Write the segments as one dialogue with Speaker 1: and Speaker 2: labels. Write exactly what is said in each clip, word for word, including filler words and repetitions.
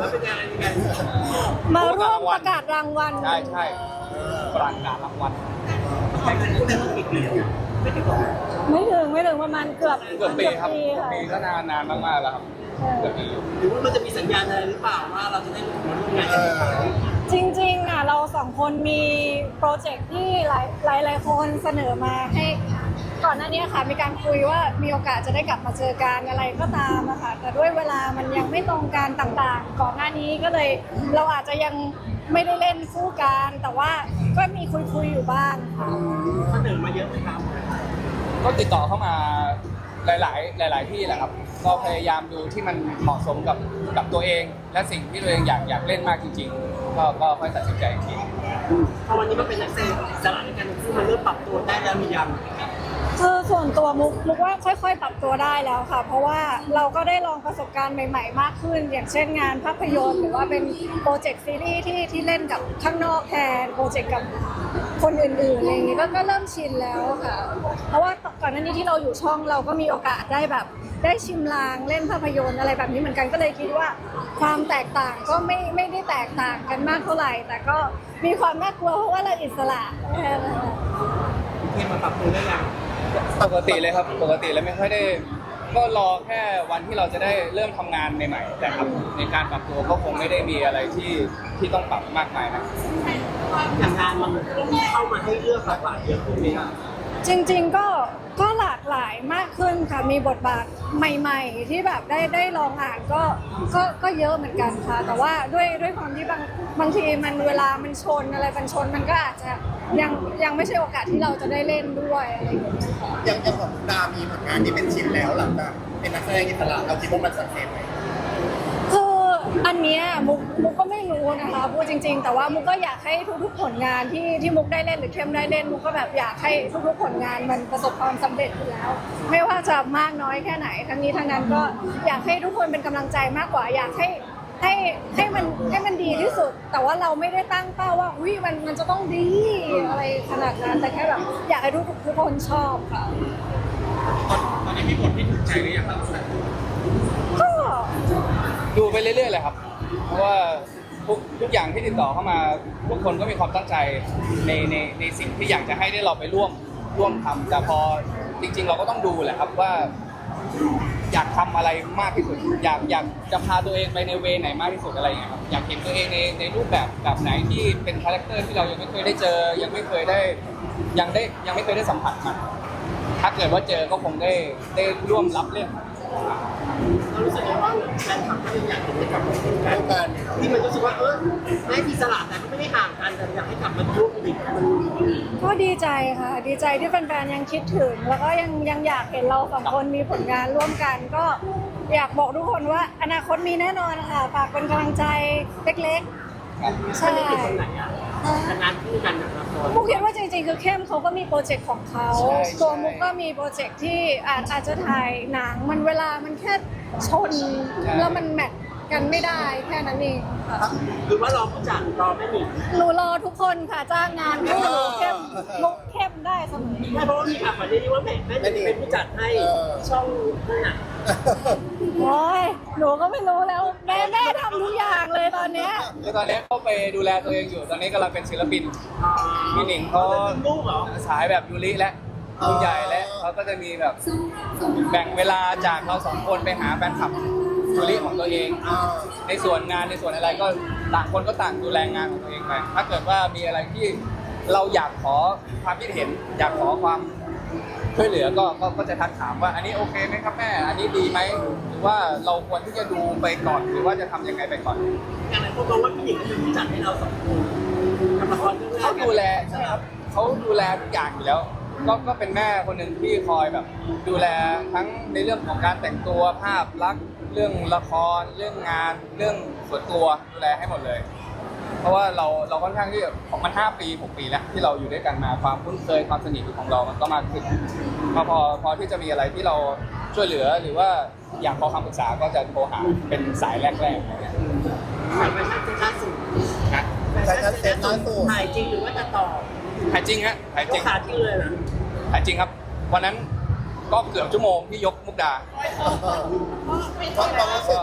Speaker 1: ว่าเป็นงานยังไง
Speaker 2: มาร่วมประกาศรางวัล
Speaker 3: ใช่ใช่ประกาศรางวัล
Speaker 1: แต่งานนี้เป็นกี่ปีแล้วไม่ถึงหรอก
Speaker 2: ไม่ถึงไม่ถึงประมาณเกือบ
Speaker 3: เกือบปีครับ
Speaker 2: ปี
Speaker 3: เกือบ
Speaker 2: ค่ะ
Speaker 3: ปีก็นานนานมากๆแล้วครับเกือบปี
Speaker 1: หรือว่ามันจะมีสัญญาณอะไรหรือเปล่าว่าเราจะได้มาร่วมงานกัน
Speaker 2: จริงๆอ่ะเราสองคนมีโปรเจกต์ที่หลายหลายหลายคนเสนอมาให้ก่อนหน้านี้ค่ะมีการคุยว่ามีโอกาสจะได้กลับมาเจอกันอะไรก็ตามอะค่ะแต่ด้วยเวลามันยังไม่ตรงกันต่างๆ ก่อนหน้านี้ก็เลยเราอาจจะยังไม่ได้เล่นคู่กันแต่ว่าก็มีคุยๆอยู่บ้างค่ะ
Speaker 1: เสนอมาเยอะไหมครับ
Speaker 3: ก็ติดต่อเข้ามาหลายๆ หลาย ๆ ที่แหละครับ ก็พยายามดูที่มันเหมาะสมกับกับตัวเอง และสิ่งที่ตัวเองอยากอยากเล่นมากจริงๆ ก็ก็ค่อยตัดสินใจอีกที
Speaker 1: พอวันนี้มันเป็นนักแสดงอิสระในการซึ่งมันเริ่มปรับตัวได้แล้วหรือยัง
Speaker 2: คือส่วนตัวมุกมุกว่าค่อยๆ ปรับตัวได้แล้วค่ะ เพราะว่าเราก็ได้ลองประสบการณ์ใหม่ๆ มากขึ้น อย่างเช่นงานภาพยนตร์หรือว่าเป็นโปรเจกต์ซีรีส์ที่ที่เล่นกับข้างนอกแทนโปรเจกต์กับคนอื่นๆอะไรอย่างนี้ก็ก็เริ่มชินแล้วค่ะ เพราะว่าก่อนหน้านี้ที่เราอยู่ช่องเราก็มีโอกาสได้แบบได้ชิมลางเล่นภาพยนตร์อะไรแบบนี้เหมือนกันก็เลยคิดว่า ความแตกต่างก็ไม่ไม่ได้แตกต่างกันมากเท่าไหร่ แต่ก็มีความน่ากลัวเพราะว่าเราอิสระแค่นั้นค่ะ
Speaker 1: ที่มาปรับตัวได้ยัง
Speaker 3: ปกติเลยครับ ปกติแล้วไม่ค่อยได้ ก็รอแค่วันที่เราจะได้เริ่มทำงานใหม่ๆ แต่ครับในการปรับตัวก็คงไม่ได้มีอะไรที่ที่ต้องปรับมากมายนะ
Speaker 1: อย่างงานมันเข้ามาให้เลือกหลากหลายเยอะขึ้นไหมครับ
Speaker 2: จริงๆก็ก็หลากหลายมากขึ้นค่ะมีบทบาทใหม่ๆ ที่แบบได้ได้ลองอ่านก็ก็ก็เยอะเหมือนกันค่ะ แต่ว่าด้วยด้วยความที่บางบางทีมันเวลามันชนอะไรมันชนมันก็อาจจะยังยังไม่ใช่โอกาสที่เราจะได้เล่นด้วยอะไรอย่างเงี้ยค่ะ
Speaker 4: อย่างอย่างของดามีผลงานที่เป็นชิ้นแล้วหลังจากเป็นนักแสดงอิสระเราคิดว่ามันสักเซสไหม
Speaker 2: คืออันเนี้ยมุกมุกก็ไม่รู้นะคะพูดจริง ๆ แต่ว่ามุกก็อยากให้ทุกๆผลงานที่ที่มุกได้เล่นหรือเข้มได้เล่นมุกก็แบบอยากให้ทุกๆผลงานมันประสบความสำเร็จอยู่แล้ว ไม่ว่าจะมากน้อยแค่ไหนทั้งนี้ทั้งนั้นก็อยากให้ทุกคนเป็นกำลังใจมากกว่า อยากให้ให้ให้มันให้มันดีที่สุด แต่ว่าเราไม่ได้ตั้งเป้าว่าอุ้ยมันมันจะต้องดีอะไรขนาดนั้นแต่แค่แบบอยากให้ทุกทุกคนชอบค่ะ
Speaker 1: ตอนนี้มีบทที่ถูกใจหรือยังครับ
Speaker 2: ก็
Speaker 3: ดูไปเรื่อยๆเลยครับ เพราะว่าทุกทุกอย่างที่ติดต่อเข้ามาทุกคนก็มีความตั้งใจในในในสิ่งที่อยากจะให้ได้เราไปร่วมร่วมทำแต่พอจริง ๆ เราก็ต้องดูแหละครับว่าอยากทำอะไรมากที่สุด อยากอยากจะพาตัวเองไปในเวไหนมากที่สุดอะไรอย่างเงี้ยครับอยากเห็นตัวเองในในรูปแบบแบบไหนที่เป็นคาแรคเตอร์ที่เรายังไม่เคยได้เจอ ยังไม่เคยได้ยังได้ยังไม่เคยได้สัมผัสมันถ้าเกิดว่าเจอก็คงได้ได้ร่วมรับเล่น
Speaker 1: เรารู้สึกว่าแฟนคลับก็ยังอยากเห็นได้กลับมาร่วมกัน
Speaker 4: ร่วมกัน
Speaker 1: ที่มันรู้สึกว่าเออได้อิสระแต่ก็ไม่ได้ห่างกันแต่อยากให้กลับมาร่วมกันอีกมัน
Speaker 2: ก็ดีใจค่ะ ดีใจที่แฟนๆยังคิดถึง แล้วก็ยังยังอยากเห็นเราสองคนมีผลงานร่วมกัน ก็อยากบอกทุกคนว่าอนาคตมีแน่นอนค่ะฝากเป็นกำลังใจเล็กๆ ใช่
Speaker 1: ไม่ได้ติดตรงไหนอ่ะแต่งานคู่กันแบบละคร
Speaker 2: มุกคิดว่าจริงๆ คือเข้มเขาก็มีโปรเจกต์ของเขา
Speaker 3: ใช่
Speaker 2: ตัวมุกก็มีโปรเจกต์ที่อาจอาจจะถ่ายหนังมันเวลามันแค่ชน แล้วมันแมทกันไม่ได้แค่นั้นเองค่ะ
Speaker 1: หรือว่ารอผู้จัดรอไม่หนี
Speaker 2: หนูรอทุกคนค่ะจ้างงานคู่เข้มมุกเข้มได้เสมอ
Speaker 1: ไม่เพราะว่ามีข่าวก่อนหน้านี้ว่าแม่แม่หนีเป็นผู้จัดให้ช่องนั่นน่ะ
Speaker 2: โอ้ยหนูก็ไม่รู้แล้วแม่แม่ทำทุกอย่างเลยตอนเนี้ย
Speaker 3: คือตอนนี้เขาไปดูแลตัวเองอยู่ ตอนนี้กำลังเป็นศิลปินพี่หนิงเขา
Speaker 1: ลูกเหรอ
Speaker 3: สายแบบยูริและคุณใหญ่และเขาก็จะมีแบบแบ่งเวลาจากเราสองคนไปหาแฟนคลับยูริของตัวเอง ในส่วนงานในส่วนอะไรก็ต่างคนก็ต่างดูแลงานของตัวเองไป ถ้าเกิดว่ามีอะไรที่เราอยากขอความคิดเห็น อยากขอความช่วยเหลือก็ก็ก็จะทักถามว่าอันนี้โอเคไหมครับแม่ อันนี้ดีไหมหรือว่าเราควรที่จะดูไปก่อน หรือว่าจะทำยังไงไปก่อน
Speaker 1: อย่างไรพวกมองว่าพี่หญิงก็เป็นผู้จัดให้เราสองคนกับละครเรื่องแรก
Speaker 3: เขาดูแลใช่ครับเขาดูแลทุกอย่างอยู่แล้ว ก็ก็เป็นแม่คนหนึ่งที่คอยแบบ ดูแลทั้งในเรื่องของการแต่งตัวภาพลักษณ์เรื่องละครเรื่องงานเรื่องส่วนตัวดูแลให้หมดเลย เพราะว่าเราเราค่อนข้างที่ของมันห้าปีหกปีแล้วที่เราอยู่ด้วยกันมาความคุ้นเคยความสนิทของเรามันก็มากขึ้นพอพอพอที่จะมีอะไรที่เราช่วยเหลือหรือว่าอยากขอคำปรึกษาก็จะโทรหาเป็นสายแรกๆอะไรเงี้ย
Speaker 1: ถ่ายไปชัดล่าสุด
Speaker 3: นะ
Speaker 4: แต่ชัดเซนล่าสุด
Speaker 1: ถ่ายจริงหรือว่าจะต่อ
Speaker 3: ถ่ายจริงฮะถ่าย
Speaker 1: ย
Speaker 3: จริ
Speaker 1: ก
Speaker 3: ง
Speaker 1: ขาทิ้งเลยนะ
Speaker 3: ถ่ายจริงครับ วันนั้นก็เกือบชั่วโมงที่ยกมุกดา
Speaker 4: เพราะความรู้สึก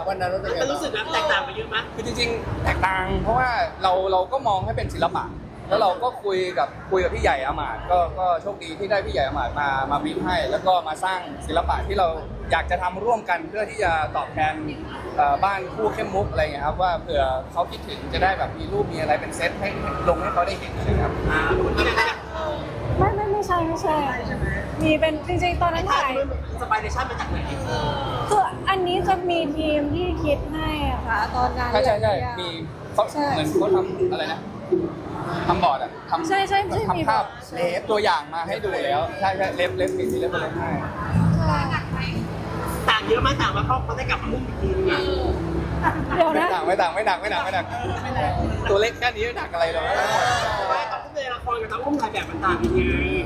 Speaker 4: วันนั้นรู้สึกไง
Speaker 1: มันรู้สึกนะแตกต่างไปเยอะไหม
Speaker 3: คือจริงๆแตกต่างเพราะว่าเราเราก็มองให้เป็นศิลปะแล้วเราก็คุยกับคุยกับพี่ใหญ่อมาตย์ก็ก็โชคดีที่ได้พี่ใหญ่อมาตย์มามาบีบให้ แล้วก็มาสร้างศิลปะที่เราอยากจะทำร่วมกันเพื่อที่จะตอบแทนเอ่อบ้านคู่เข้มมุกอะไรเงี้ยครับว่าเผื่อเขาคิดถึงจะได้แบบมีรูปมีอะไรเป็นเซตให้ลงให้เขาได้เห็นนะครับ
Speaker 1: อ่าคนที่ไหนเนี่ย
Speaker 2: ไม่ไม่ไม่ใช่ไม่ใช่ มีเป็นจริงๆตอนนั้นถ่าย
Speaker 1: สไปเดชั่นมาจากไหน
Speaker 2: คืออันนี้จะมีทีมที่คิดให้อะค่ะตอนนั้น
Speaker 3: ใช่ใช่ใช่
Speaker 2: เลยอะ
Speaker 3: มีเขา
Speaker 2: ใช่
Speaker 3: เหมือนเขาทำอะไรนะทำบอร์ดอะทำ
Speaker 2: ใช่ใช่ใช่มี
Speaker 3: ทำภาพ
Speaker 2: บอร์ด
Speaker 3: เลฟตัวอย่างมาให้ดูแล้วใช่ใช่เล็บเล็บมีเล็บเล็บให้
Speaker 2: ใช่
Speaker 1: ต่างเยอะไหมต่างมาเพราะเขาได้กลับมามุ่งอีกทีนึงอ่ะ
Speaker 2: เดี๋ยว
Speaker 3: ไม่
Speaker 2: นะ
Speaker 3: หนักไม่หนักไม่หนักไม่หนักไม่หนักตัวเล็กแค่นี้ไม่หนักอะไรหรอก
Speaker 1: ไม่ตอนที่ในละครกับน้องอุ้มถ่ายแบบมันต่างกันไง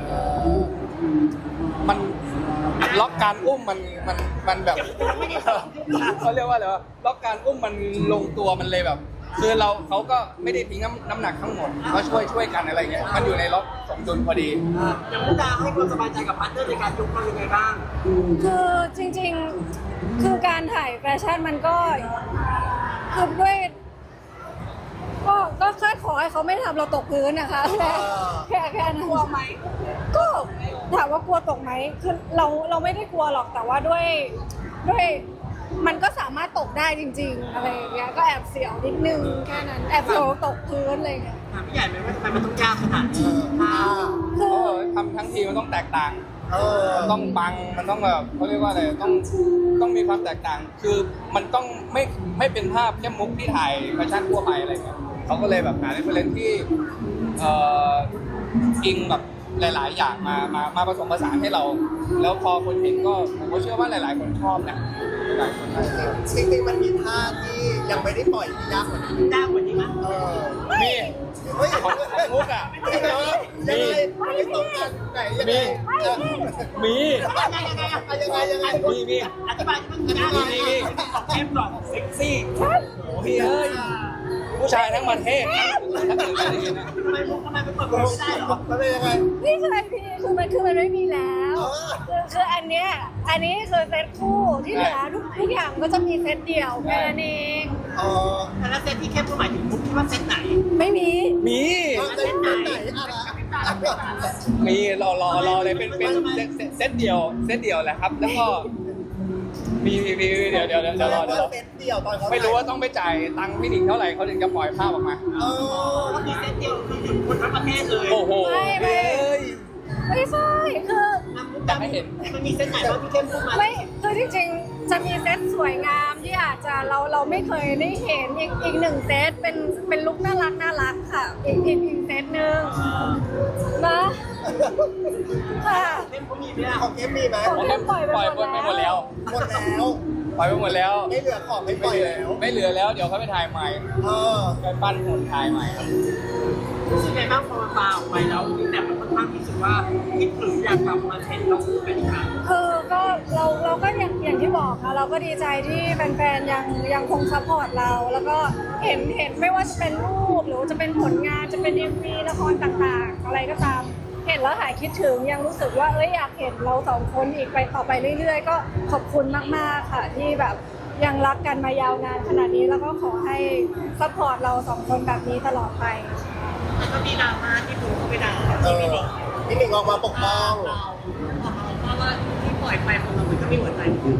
Speaker 3: มันล็อกการอุ้มมันมันมันแบบเขาเรียกว่าอะไรวะล็อกการอุ้มมันลงตัวมันเลยแบบ คือเราเขาก็ไม่ได้ทิ้งน้ำน้ำหนักทั้งหมดก็ช่วยช่วยกันอะไรเงี้ยมันอยู่ในล็อกสมดุลพอดี
Speaker 1: อย่างมุกดาให้ความสบายใจกับพาร์ทเนอร์ในการยกเรายังไงบ้าง
Speaker 2: คือจริงๆ คือการถ่ายแฟชั่นมันก็คือด้วยก็ก็แค่ขอให้เขาไม่ทำเราตกพื้นนะคะแค่แค่แค่นั้นกลัวไหมก็ถามว่ากลัวตกไหมคือเราเราไม่ได้กลัวหรอกแต่ว่าด้วยด้วยมันก็สามารถตกได้จริง ๆ อะไรอย่างเงี้ยก็แอบเสียวนิดนึงแค่นั้นแอบเสียวตกพื้นอะไรอย่างเงี้ย
Speaker 1: ถามพี่ใหญ่ไหมว่าทำไมมันต้องยากขนาดนี้อ่า
Speaker 2: คื
Speaker 3: เอ
Speaker 2: อ
Speaker 3: อทำทั้งทีมันต้องแตกต่าง
Speaker 4: เออ
Speaker 3: มันต้องปังมันต้องแบบเขาเรียกว่าอะไรต้องต้องมีความแตกต่าง คือมันต้องไม่ไม่เป็นภาพแค่มุกที่ถ่ายแฟชั่นทั่วไปอะไรเงี้ยเขาก็เลยแบบหาเรฟเฟรนซ์ที่เอ่ออิงแบบหลาย ๆ อย่างมามามาผสมผสานให้เรา แล้วพอคนเห็นก็ผมก็เชื่อว่าหลาย ๆ คนชอบนะหลายคนน่าจะชอบ
Speaker 4: จริงๆมันมีท่าที่ยังไม่ได้ปล่อยที่ยากกว่านี้
Speaker 1: ยากกว่านี้มั้ย
Speaker 4: เออ
Speaker 3: มี
Speaker 4: เฮ้ย
Speaker 3: ของของมุกอ่ะ
Speaker 4: ยังไงยังไงไม่ตรงกันไหนยังไง
Speaker 3: มี
Speaker 1: ยังไงยังไงอ่ะ
Speaker 4: ยังไงยังไง
Speaker 3: มีมี
Speaker 1: อธิบายที่มันยากยังไงของเข้มก่อนเซ็กซี่
Speaker 3: โอ้พี่เอ้ยผู้ชายทั้งประเทศถ้าเกิดไม่ได้ยินนะ
Speaker 1: ทำไมมุกทำไมเป็นคนไม่ได้หรอ
Speaker 4: มันเป็นยังไง
Speaker 2: นี่คือพี่คือมันคือมันไม่มีแล้ว
Speaker 4: เออ
Speaker 2: คือคืออันเนี้ยอันนี้คือเซตคู่ที่เหลือทุกทุกอย่างก็จะมีเซตเดี่ยวแค่นั้นเอง
Speaker 4: เออ
Speaker 1: แต่ละเซตที่เข้มก็หมายถึงมุกที่ว่าเซตไหน
Speaker 2: ไม่มี
Speaker 3: มี
Speaker 4: เส้นไหนอะไร
Speaker 3: มีรอรอรอเลยเป็นเป็นเซตเซตเซตเดียวเซตเดียวแหละครับ แล้วก็มีมีมีเดี๋ยวเดี๋ยวเดี๋ยวเดี๋ยวรอเดี๋ยวรอ
Speaker 4: เส้นเดียวตอนเขา
Speaker 3: ไม่รู้ว่าต้องไปจ่ายตังค์พี่หนิงเท่าไหร่เขาถึงจะปล่อยภาพออกมา
Speaker 4: เออ
Speaker 1: ก็มีเซตเดียวคือหนึ่งคนทั้งประเทศเลย
Speaker 3: โอ้โห
Speaker 2: ไม่ไม่
Speaker 3: เอ้ย
Speaker 2: ไม่ใช่คือ
Speaker 1: อยากให้เห็นมันมีเซตไหนบ้างที่เข้มพูดมา
Speaker 2: ไม่คือจริงๆจะมีเซตสวยงามที่อาจจะเราเราไม่เคยได้เห็นอีกอีกหนึ่งเซตเป็นเป็นลุคน่ารักน่ารักค่ะ อีกอีกอีกเซตหนึ่งนะค่ะ
Speaker 1: เข้มเขามีไหมล่ะ
Speaker 4: ของเกมมีไหม
Speaker 2: ของ
Speaker 3: ผมปล่อยไปหมดแล้ว
Speaker 4: หมดแล้ว
Speaker 3: ปล่อยไปหมดแล้ว
Speaker 4: ไม่เหลือของไม่ปล่อยแล้ว
Speaker 3: ไม่เหลือแล้วเดี๋ยวเขาไปถ่ายใหม่
Speaker 4: เออ
Speaker 3: ไปปั้นหุ่นถ่ายใหม่ครับ
Speaker 1: รู้สึกไงบ้างพอมันปาออกไปแล้วแต่มันค่อนข้างที่สุดว่าคิดถึงอยากกลับมาเห็นเราคู่กันอีกครั้ง
Speaker 2: คือก็เราเราก็อย่างอย่างที่บอกค่ะเราก็ดีใจที่แฟนๆยังยังคงซัพพอร์ตเรา แล้วก็เห็นเห็นไม่ว่าจะเป็นรูปหรือว่าจะเป็นผลงานจะเป็นเอ็มวีละครต่างๆ อะไรก็ตาม เห็นแล้วหายคิดถึงยังรู้สึกว่าเอ้ยอยากเห็นเราสองคนอีกไปต่อไปเรื่อยๆ ก็ขอบคุณมากๆค่ะที่แบบยังรักกันมายาวนานขนาดนี้แล้วก็ขอให้ซัพพอร์ตเราสองคนแบบนี้ตลอดไป
Speaker 1: แล้วก็มีดราม่าที่ดูเขาไปด่า
Speaker 4: เออพี่หนิงออกมาปกป้อง
Speaker 1: เราเพราะว่าที่ปล่อยไปของเรามันก็มีหัวใจ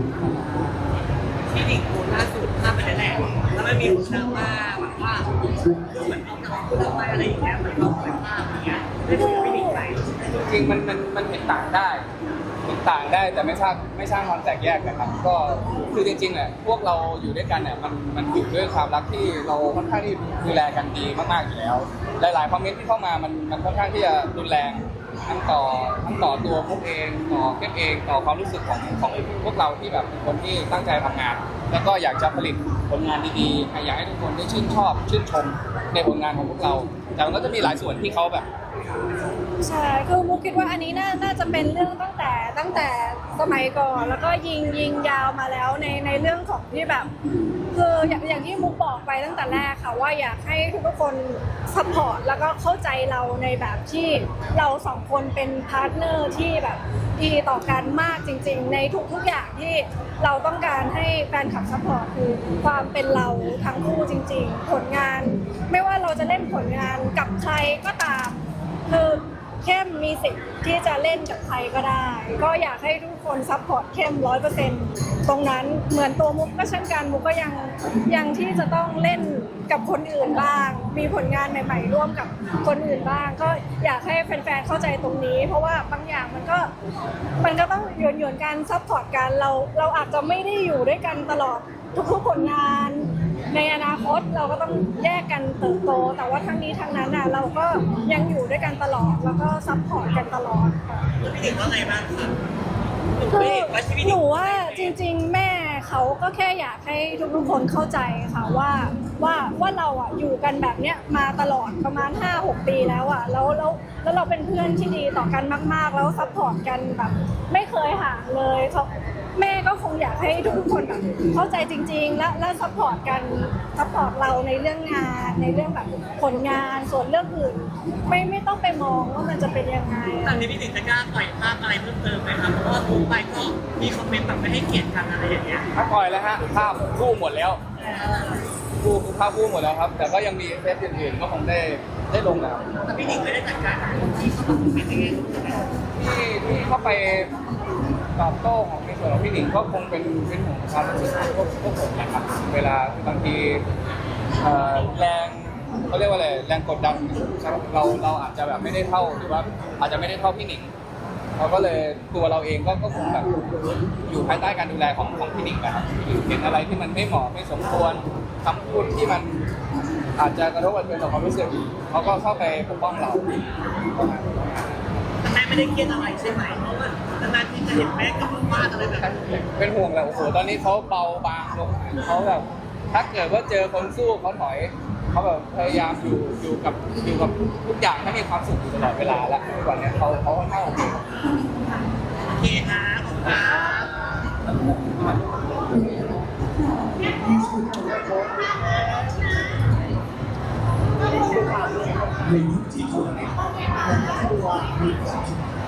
Speaker 1: ที่ดิ่งโพสล่าสุดภาพไปแหละแล้วมันมีคนดราม่าแบบว่าดูเหมือนเอาหนังพูดไปอะไรอย่างเงี้ยเหมือนเขาปล่อยภาพอย่างเงี้ยไม่ได้ไม่ดิ่งไป
Speaker 3: จริงๆมันมันมันเห็นต่างได้เห็นต่างได้แต่ไม่สร้างไม่สร้างความแตกแยกนะครับ ก็คือจริงๆเนี่ยพวกเราอยู่ด้วยกันเนี่ยมันมันอยู่ด้วยความรักที่เราค่อนข้างที่ดูแลกันดีมากๆอยู่แล้ว หลายๆคอมเมนต์ที่เข้ามามันมันค่อนข้างที่จะรุนแรงทั้งต่อทั้งต่อตัวพวกเองต่อเก็บเองต่อความรู้สึกของของพวกเราที่แบบเป็นคนที่ตั้งใจทำงาน แล้วก็อยากจะผลิตผลงานดีๆอยากให้ทุกคนได้ชื่นชอบชื่นชมในผลงานของพวกเราแต่มันก็จะมีหลายส่วนที่เขาแบบ
Speaker 2: ใช่คือมุกคิดว่าอันนี้น่าน่าจะเป็นเรื่องตั้งแต่ตั้งแต่สมัยก่อนแล้วก็ยิงยิงยาวมาแล้วในในเรื่องของที่แบบ คืออย่างอย่างที่มุกบอกไปตั้งแต่แรกค่ะว่าอยากให้ทุกคนซัพพอร์ตแล้วก็เข้าใจเราในแบบที่เราสองคนเป็นพาร์ทเนอร์ที่แบบดีต่อกันมากจริงๆในทุกๆอย่างที่เราต้องการให้แฟนคลับซัพพอร์ตคือความเป็นเราทั้งคู่จริงๆผลงานไม่ว่าเราจะเล่นผลงานกับใครก็ตามคือเข้มมีสิทธิ์ที่จะเล่นกับใครก็ได้ ก็อยากให้ทุกคนซัพพอร์ตเข้มร้อยเปอร์เซ็นต์ตรงนั้นเหมือนตัวมุกก็เช่นกันมุกก็ยังยังที่จะต้องเล่นกับคนอื่นบ้าง มีผลงานใหม่ๆร่วมกับคนอื่นบ้าง ก็อยากให้แฟนๆเข้าใจตรงนี้ เพราะว่าบางอย่างมันก็มันก็ต้องหยวนหยวนๆกันซัพพอร์ตกันเราเราอาจจะไม่ได้อยู่ด้วยกันตลอดทุกๆผลงาน ในอนาคตเราก็ต้องแยกกันเติบโต แต่ว่าทั้งนี้ทั้งนั้นน่ะเราก็ยังอยู่ด้วยกันตลอดแล้วก็ซัพพอร์ตกันตลอดค่ะ
Speaker 1: พี่หนิงว่าไงบ้างคะ
Speaker 2: คือหนูว่าจริงๆ แม่เขาก็แค่อยากให้ทุกๆคนเข้าใจค่ะว่าว่าว่าเราอ่ะอยู่กันแบบเนี้ยมาตลอดประมาณ ห้าหก ปีแล้วอ่ะแล้วแล้วแล้วเราเป็นเพื่อนที่ดีต่อกันมากๆ แล้วซัพพอร์ตกันแบบไม่เคยห่างเลยเขาแม่ก็คงอยากให้ทุกคนแบบเข้าใจจริงๆ และและซัพพอร์ตกันซัพพอร์ตเราในเรื่องงานในเรื่องแบบผลงานส่วนเรื่องอื่นไม่ไม่ต้องไปมองว่ามันจะเป็นยังไง
Speaker 1: ตอนนี้พี่หนิงจะกล้าปล่อยภาพอะไรเพิ่มเติมไหมครับเพราะว่าทุกไปก็มีคอมเมนต์แบบไม่ให้เกียรติกันอะไรอย่างเงี้ย
Speaker 3: ถ้าปล่อยแล้วฮะภาพคู่หมดแล้วคู่ภาพคู่หมดแล้วครับ แต่ก็ยังมีเทปอื่นๆก็คงได้ได้ลงนะครับ
Speaker 1: แต่พี่หนิงไม่ได้จัดการกับคนที่เขาแบบคอมเมนต์อย่างเงี้ย
Speaker 3: ที่ที่เข้าไปตอบโต้ของในส่วนของพี่หนิงก็คงเป็นเป็นห่วงความรู้สึกของพวกพวกผมนะครับ เวลาบางทีเอ่อแรงเขาเรียกว่าอะไรแรงกดดันเราเราอาจจะแบบไม่ได้เท่าหรือว่าอาจจะไม่ได้เท่าพี่หนิงเราก็เลยตัวเราเองก็ก็คงแบบอยู่ภายใต้การดูแลของของพี่หนิงนะครับเห็นอะไรที่มันไม่เหมาะไม่สมควรคำพูดที่มันอาจจะกระทบกระเทือนต่อความรู้สึกเขาก็เข้าไปปกป้องเรา
Speaker 1: แม่ไม่ได้เครียดอะไรใช่ไหมเพราะว่านานๆที่จะเห็นแม่กับบ้านอะไรแบบนี้
Speaker 3: เป็นห่วงแหละโอ้โหตอนนี้เขาเบาบางลงเขาแบบถ้าเกิดว่าเจอคนสู้เขาถอยเขาแบบพยายามอยู่อยู่กับอยู่กับทุกอย่างให้มีความสุขอยู่ตลอดเวลาแล้วทุกวันนี้เขาเขาค่อนข้างโอเค
Speaker 1: โอเคครับขอบคุณครับ
Speaker 5: ในยุคที่คนในครอบครัวมีความ